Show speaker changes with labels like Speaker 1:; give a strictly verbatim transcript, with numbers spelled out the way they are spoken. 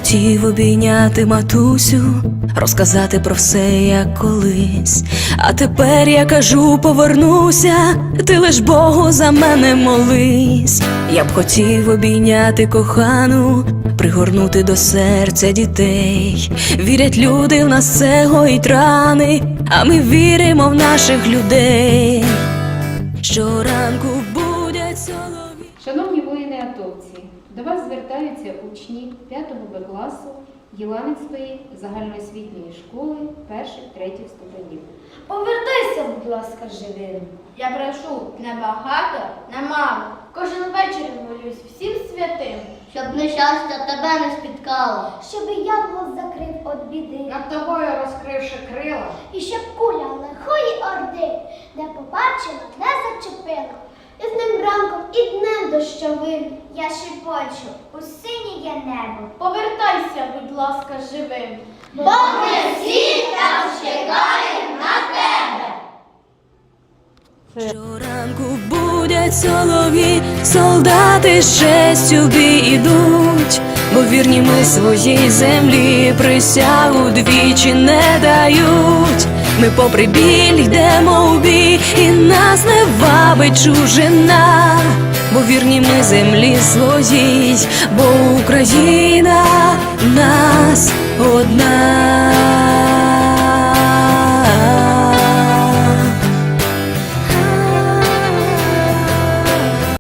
Speaker 1: хотів обійняти матусю, розказати про все, як колись. А тепер я кажу, повернуся, ти лиш Богу за мене молись. Я б хотів обійняти кохану, пригорнути до серця дітей. Вірять люди, в нас це гоїть рани, а ми віримо в наших людей. Щоранку будять солов'ї.
Speaker 2: Шановні воїни-атовці, до вас звертаються учні п'ятого Б класу Єланицької загальноосвітньої школи перших-третіх ступенів.
Speaker 3: Повертайся, будь ласка, живим. Я прошу не багато, не мало. Кожен вечір молюсь всім святим,
Speaker 4: щоб нещастя тебе не спіткало,
Speaker 5: щоб янгол закрив від біди,
Speaker 3: над тобою розкривши крила,
Speaker 5: і щоб куля лихої орди не побачила, не зачепила. І з ним ранком і днем дощовим я шепочу у синє небо.
Speaker 3: повертайся, будь ласка, живим.
Speaker 5: Бо ми всі там чекаємо на тебе.
Speaker 1: Щоранку будять солов'ї, солдати з честю в бій ідуть, бо вірні ми своїй землі присягу двічі не дають. Ми попри біль йдемо в бій, і нас не вабить чужина, бо вірні ми землі своїй, бо Україна в нас одна.